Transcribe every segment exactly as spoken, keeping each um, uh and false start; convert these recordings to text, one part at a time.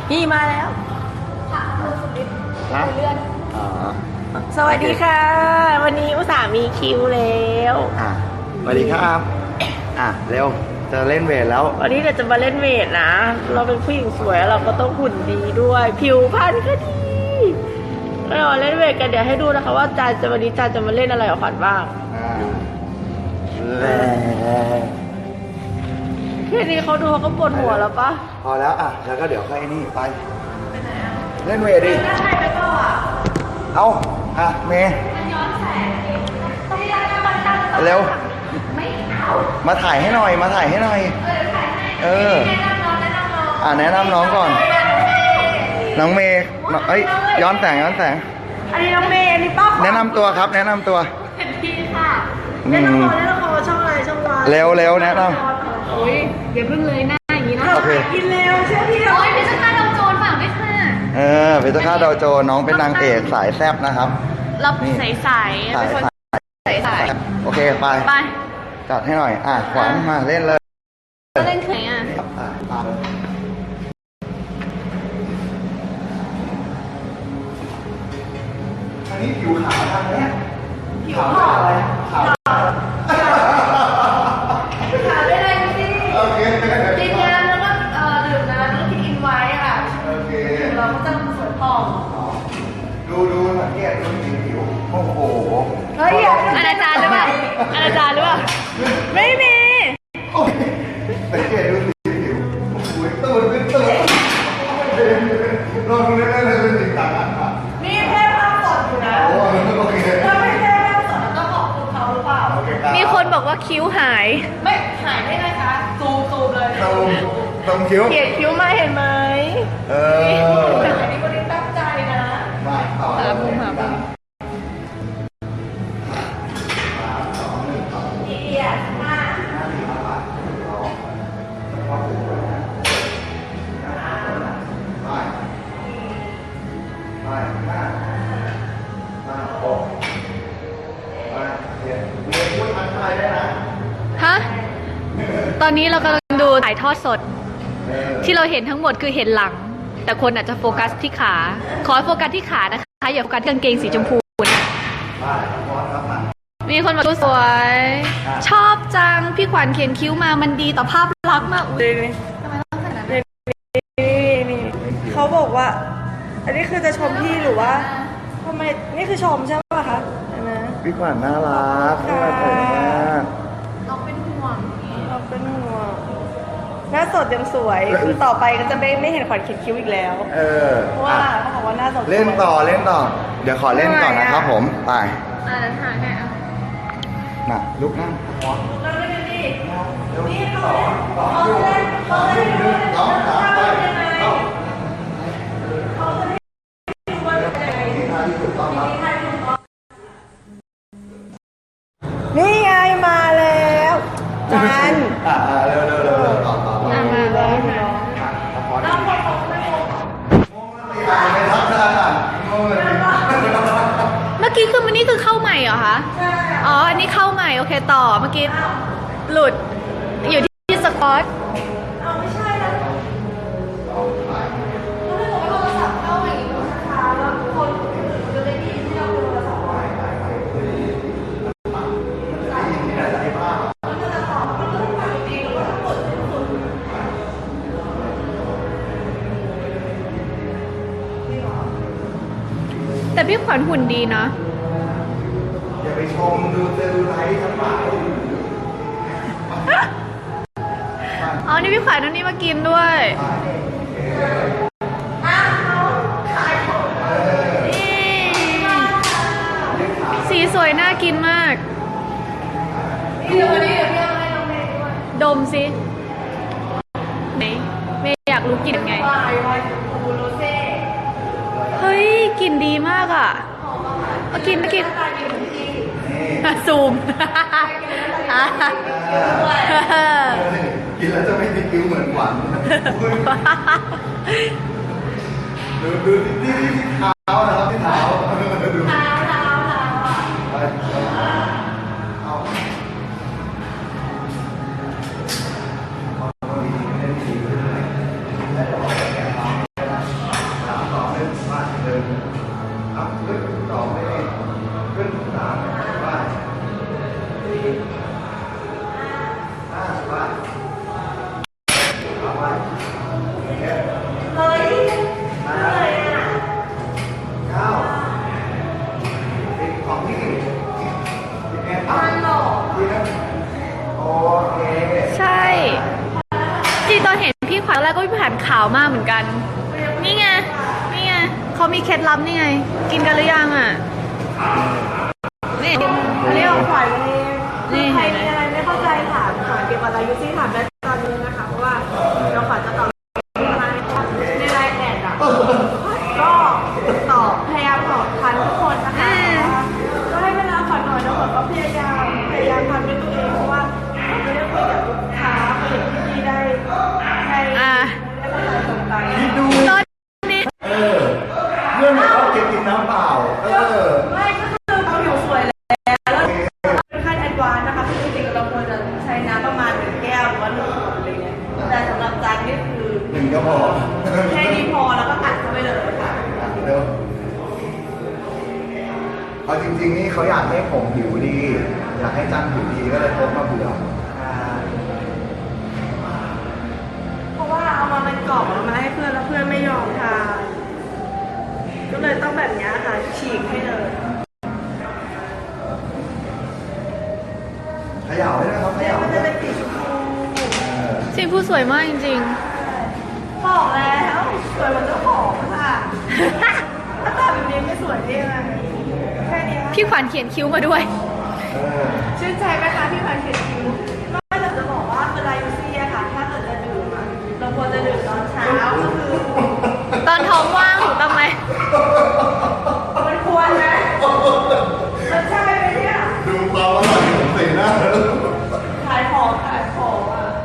พี่มาแล้วค่ะมือสุดฤทธิ์ฮะเลื่อนอ๋อสวัสดีค่ะ วันนี้อุตส่าห์มีคิวแล้วอ่ะสวัสดีครับอ่ะเร็วจะเล่นเวทแล้ววันนี้เราจะมาเล่นเวทนะ เราเป็นผู้หญิงสวยเราก็ต้องหุ่นดีด้วย ผิวพรรณก็ดีเรามาเล่นเวทกันเดี๋ยวให้ดูนะคะว่าจานจะวันนี้จานจะมาเล่นอะไรกับขวัญบ้างอ่าแล้แค่นี้เขาดูเขาก็ปวดหัวแล้วปะพอแล้วอ่ะแล้วก็เดี๋ยวค่อยนี่ไปเล่นเวทดิใช่ไปเปล่าอ่ะเอาอ่ะเมย์ต้องตั้งมันตั้งเร็วไม่เอามาถ่ายให้หน่อยมาถ่ายให้หน่อยเออถ่ายให้เออแนะนำน้องแนะนำน้องอ่ะแนะนำน้องก่อน น้องเมย์น้องเอ้ยย้อนแสงย้อนแสงอันนี้น้องเมย์อันนี้ป้าแนะนำตัวครับ แนะนำตัวเป็นพี่ค่ะอืเล่นละมครเล่นละครช่องอะไรช่องวันเร็วเร็วแนะนโอ้ยอย่าเพิ่งเลยหน้าอย่างนี้นะโอเคกินเร็วเชื่อพี่โอ้ยเป็นสกาดาวโจรฝากด้วยค่ะำเออเป็นเจ้าข้าดาวโจรน้องเป็นนางเอกสายแซบนะครับรับนี่ใสใสสายเป็นคนสายใสใสโอเคไปไปจัดให้หน่อย อ่ะขวัญมาเล่นเลยเล่นเข่งอ่ะอ่ะตามอันนี้ผิวขาวทางเนี้ยผิวขาวอะไรขาวถามได้เลยสิโอเคกินยาแล้วก็เอ่อดื่มน้ำแล้วก็กินอินไว้ค่ะโอเคเราก็จะสวยผ่องดูดูสังเกตดูสีผิว โอ้โหเฮ้ยอย่าอนาจารหรือเปล่าอนาจารหรือเปล่าไม่มีโอ้ยสังเกตดูสีผิว โอ้โหตูดเป็นตูดลองดูเล่นๆเลยเป็นสีต่างกันอ่ะนี่แค่ภาพสดอยู่นะโอ้โอเคถ้าไม่แค่ภาพสดก็ขอบคุณเขาหรือเปล่าโอเคครับมีคนบอกว่าคิ้วหายไม่หายได้ไงคะซูมซูมเลยตรงตรงคิ้วเกลียดคิ้วมาเห็นไหมเอออันนี้คนนี้ตั้งใจนะมาต่อหามุมหามุมเอียดมากไปไปหน้าหน้าโอ้ไปเดี๋ยวเดี๋ยวพูดทักทายได้นะฮะ ตอนนี้เรากำลังดูถ่ายทอดสดเออที่เราเห็นทั้งหมดคือเห็นหลัง แต่คนอาจจะโฟกัสที่ขา ขอให้โฟกัสที่ขานะคะ อย่าโฟกัสที่กางเกงสีชมพูนะไปพอครับมามีคนบอกสวย ชอบจัง พี่ขวัญเขียนคิ้วมามันดีต่อภาพลักษณ์มากอุ๊ยนี่ทำไมต้องขนาดนั้นนี่เขาบอกว่า อันนี้คือจะชมพี่หรือว่าทำไมนี่คือชมใช่ป่ะคะเห็นไหมพี่ขวัญน่ารักน่ารักมากน้องเป็นห่วงเราเป็นห่วงหน้าสดยังสวย คือต่อไปก็จะไม่ไม่เห็นขวัญเขียนคิ้วอีกแล้วเออเพราะว่าอ่ะเขาบอกว่าหน้าสดสวยเล่นต่อเล่นต่อ เดี๋ยวขอเล่นก่อนนะครับผม ไปอ่าถ่ายให้อ่ะน่ะลุกนั่งพอเราเล่นกันดิเร็วสองสองอยู่สองอยู่หนึ่งสองสามไปเข้านี่ท่าที่ถูกต้องครับนี่ไงมาแล้วจันอ่าเร็วเร็วเร็วเร็วต่อต่อต่ออ่ะมาแล้วค่ะอ่ะพอดีอ่ะไม่ทับทางอ่ะงงเลยเมื่อกี้คือมันนี่คือเข้าใหม่เหรอคะ อ๋อ อันนี้เข้าใหม่ โอเคต่อ เมื่อกี้หลุด อยู่ที่สกอตเอาไม่ใช่นะเขาเลยบอกว่าโทรศัพท์เข้าอย่างนี้มันช้าแล้วคนจะได้ยินที่เราโทรศัพท์ไว้มันจะตอบมันก็ต้องฟังดีหรือว่าทั้งหมดทั้งหมดแต่พี่ขวัญหุ่นดีนะอย่าไปชมดูเซลลูไลท์ทั้งหลายอ๋อ นี่พี่ขวัญนั่นนี่มากินด้วยนี่สีสวยน่ากินมากเดี๋ยววันนี้เดี๋ยวพี่เอาให้น้องเมย์ด้วยดมสิไหนเมย์อยากรู้กลิ่นไงวายวายบูโรเซ่เฮ้ยกลิ่นดีมากอ่ะเอากินไม่กิน ซูมกินแล้วจะไม่ติดคิ้วเหมือนหวานดูดูที่ที่เท้านะครับที่เท้าดูเท้าเท้าเท้าไปเอาเอาดีไม่ได้ดีาวมากเหมือนกัน นี่ไง นี่ไงเขามีเคล็ดลับนี่ไง กินกันหรือยังอ่ะ นี่อันนี้ของขวัญเองนี่ใครเห็นไหมมีอะไรไม่เข้าใจถามขวัญเกี่ยวกับอายุที่ถามได้ตอนนี้นะคะ เพราะว่าเราขวัญจะตอบในไลน์แอดอ่ะก็ตอบพยายามตอบทันทุกคนนะคะก็ให้เวลาขวัญหน่อยแล้วขวัญก็พยายามพยายามทำด้วยตัวเองเพราะว่าเราไม่ได้คุยกับลูกค้าคุยกับพี่ๆได้ได้อ่ะได้เข้าใจตรงกันคิดดูตอนนี้เออเรื่องเขาเก็บกินน้ำเปล่าเออไม่ก็คือเราผิวสวยแล้วแล้วเป็นขั้นแอดวานซ์นะคะคือจริงๆเราควรจะใช้น้ำประมาณหนึ่งแก้วหรือว่าหนึ่งขวดอะไรเงี้ยแต่สำหรับจานนี่คือหนึ่งก็พอแค่นี้พอแล้วก็อัดเข้าไปเลยค่ะเร็วเอาจริงๆนี่เขาอยากให้ผมผิวดี อยากให้จันผิวดีก็เลยพกมาเบื่ออ่าเพราะว่าเอามาเป็นกล่องเอามาให้เพื่อนแล้วเพื่อนไม่ยอมทานก็เลยต้องแบบนี้ค่ะฉีกให้เลยเขย่าได้ไหมครับเขเนี่ยย่ามันได้จะไหมเป็นสีชมพูเออสีผู้สวยมากจริงบอกแล้วสวยเหมือนเจ้าของค่ะถ้าตาแบบนี้ไม่สวยได้ยังไงแค่นี้ๆ พี่ขวัญเขียนคิ้วมาด้วยเออชื่นใจไหมคะที่ผ่านเขียนคิ้วก็อยากจะบอกว่าเวลายูซี่อะค่ะถ้าเกิดจะดื่มอะเราควรจะดื่มตอนเช้าก็คือตอนท้องว่างถูกต้องไหมมันควรนะมันใช่ไหมเนี่ยดูความอร่อยของสีหน้าแล้วขายของขายของอ่ะ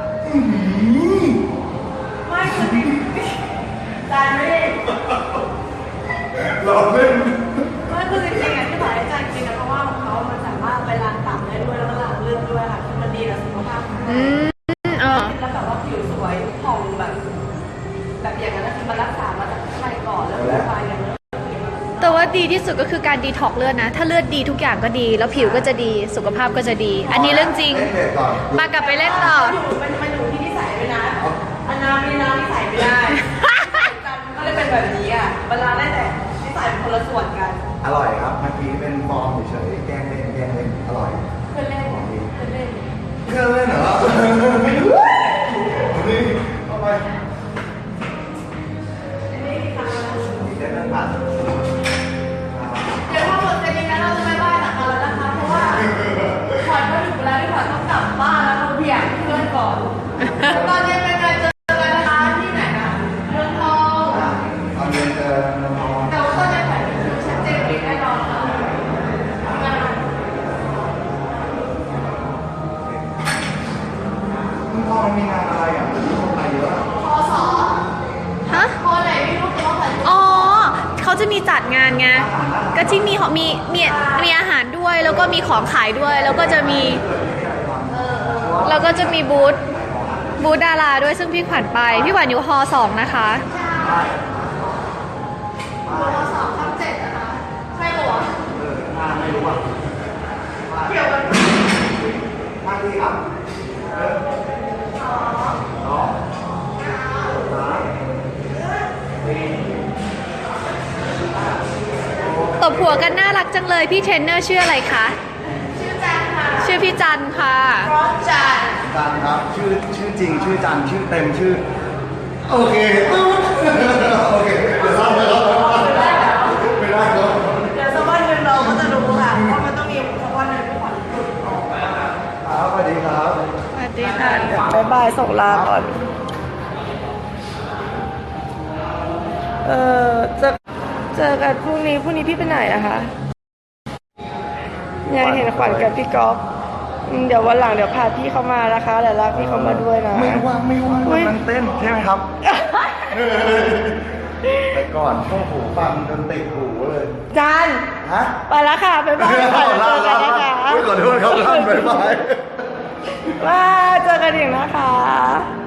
ไม่คือจานไม่ได้หลอกเล่นไม่คือจริงๆอ่ะที่บอกให้จานกินนะเพราะว่าของเขามันสามารถไปล้างตับได้ด้วยแล้วก็ล้างเลือดด้วยค่ะคือมันดีกับสุขภาพของอืเรามเออแล้วแบบว่าผิวสวยผ่องแบบ แบบอย่างนั้นคือมันรักษามาจากข้างในก่อนแล้วมันไปอย่างนั้นแต่ว่าดีที่สุดก็คือการดีท็อกซ์เลือดนะ ถ้าเลือดดีทุกอย่างก็ดี แล้วผิวก็จะดี สุขภาพก็จะดี อันนี้เรื่องจริงเล่นเด็กก่อนมากลับไปเล่นต่อมันอยู่มันมันอยู่ที่นิสัยด้วยนะอันนามีน้ำนิสัยไม่ได้จันก็เลยเป็นแบบนี้อ่ะเวลาได้แต่นิสัยเป็นคนละส่วนกันอร่อยครับเมื่อกี้เป็นฟอร์มเฉยๆแกล้งเล่นแกล้งเล่นอร่อยเพื่อนเล่นเพื่อนเล่นเพื่อนเล่นเหรอนี่เข้าไปอันนี้ทำอะไรมีเส้นนั่งผัดเดี๋ยวถ้าหมดเสร็จนี้เราจะไม่ไหว้จากกันแล้วนะคะ เพราะว่าขวัญก็ถึงเวลาที่ขวัญต้องกลับบ้านแล้วเราเบี่ยงเพื่อนก่อนตอนเย็นเป็นการเจอกันนะคะที่ไหนนะเมืองทองอ่ะตอนเย็นเจอน้องแต่ว่าตอนเย็นขวัญคือชัดเจนแน่นอนค่ะงานคุณพ่อมันมีงานอะไรอ่ะมีคนไปเยอะพอสอฮะพอไหนไม่รู้แต่ว่าขวัญอ๋อ เขาจะมีจัดงานไง ก็ที่มีมีมีมีอาหารด้วย แล้วก็มีของขายด้วย แล้วก็จะมี แล้วก็จะมีบูธ บูธดาราด้วย ซึ่งพี่ขวัญไป พี่ขวัญอยู่ฮอสองนะคะพอสอบทับเจ็ดนะคะใช่ปะวะเออมาไม่รู้อ่ะเกี่ยวกันมาดีครับเออสองสามสี่ตบหัวกันน่ารักจังเลย พี่เทรนเนอร์ชื่ออะไรคะชื่อจันค่ะชื่อพี่จันค่ะพร้อมจันจันครับชื่อชื่อจริงชื่อจันชื่อเต็มชื่อโอเคโอเคเดี๋ยวเล่าไปแล้วไม่ได้แล้วเดี๋ยวสักวันหนึ่งเราก็จะรู้ค่ะว่ามันต้องมีสักวันหนึ่งที่ขวัญหลุดออกมาครับสวัสดีครับสวัสดีค่ะบายบายส่งลาก่อน เออเจอเจอกันพรุ่งนี้พรุ่งนี้พี่ไปไหนอะคะยังเห็นขวัญกับพี่ก๊อฟอืมเดี๋ยววันหลังเดี๋ยวพาพี่เขามานะคะเดี๋ยวลากพี่เขามาด้วยนะไม่ว่างไม่ว่างอุ๊ยกำลังเต้นใช่ไหมครับไปก่อนพวกหูฟังจนติดหูเลยจานฮะไปแล้วค่ะบ๊ายบายค่ะเจอกันนะคะขอโทษครับท่านบ๊ายบายว่าเจอกันอีกนะคะ